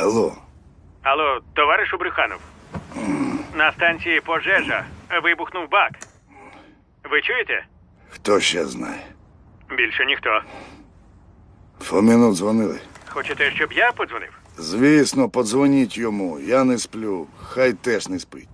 Алло. Алло, товаришу Брюханов. На станції пожежа. Вибухнув бак. Ви чуєте? Хто ще знає? Більше ніхто. Фоміну дзвонили? Хочете, щоб я подзвонив? Звісно, подзвоніть йому. Я не сплю. Хай теж не спить.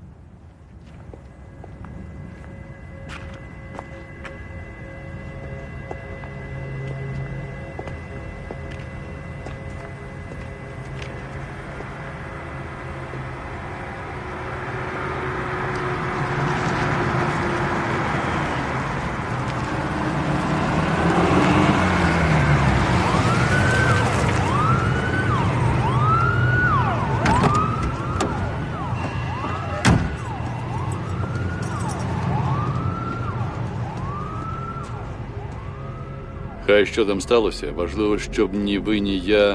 Хай що там сталося, важливо, щоб ні ви, ні я...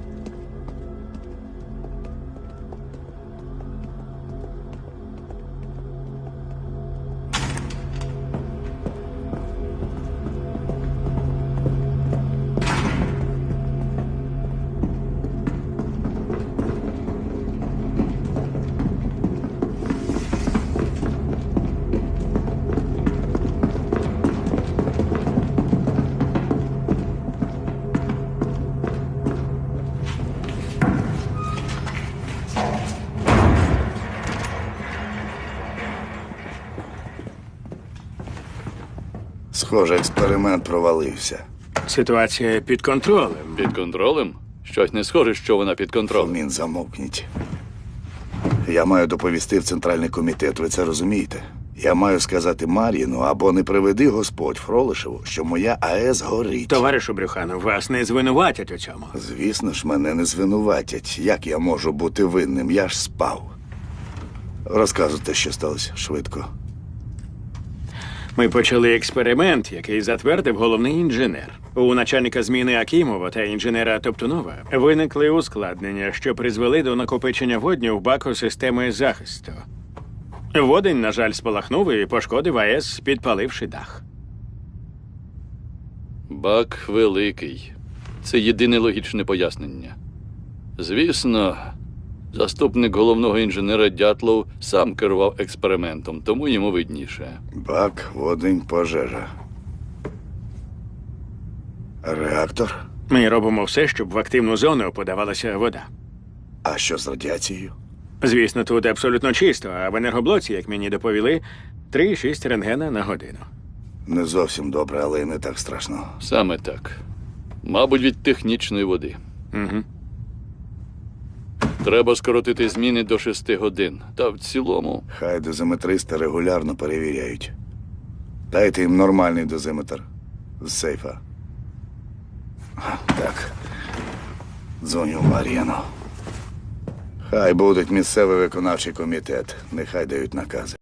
Схоже, експеримент провалився. Ситуація під контролем. Під контролем? Щось не схоже, що вона під контролем. Фомін, замовкніть. Я маю доповісти в Центральний комітет, ви це розумієте? Я маю сказати Мар'їну, або не приведи Господь Фролишеву, що моя АЕС горить. Товаришу Брюханов, вас не звинуватять у цьому. Звісно ж, мене не звинуватять. Як я можу бути винним? Я ж спав. Розказуйте, що сталося швидко. Ми почали експеримент, який затвердив головний інженер. У начальника зміни Акімова та інженера Топтунова виникли ускладнення, що призвели до накопичення водню в баку системи захисту. Водень, на жаль, спалахнув і пошкодив АЕС, підпаливши дах. Бак великий. Це єдине логічне пояснення. Звісно, заступник головного інженера Дятлов сам керував експериментом, тому йому видніше. Бак, водень, пожежа. Реактор? Ми робимо все, щоб в активну зону подавалася вода. А що з радіацією? Звісно, тут абсолютно чисто, а в енергоблоці, як мені доповіли, 3,6 рентгена на годину. Не зовсім добре, але й не так страшно. Саме так. Мабуть, від технічної води. Угу. Треба скоротити зміни до 6 годин. Та в цілому... Хай дозиметристи регулярно перевіряють. Дайте їм нормальний дозиметр з сейфа. Так. Дзвоню Мар'яну. Хай будуть місцевий виконавчий комітет. Нехай дають накази.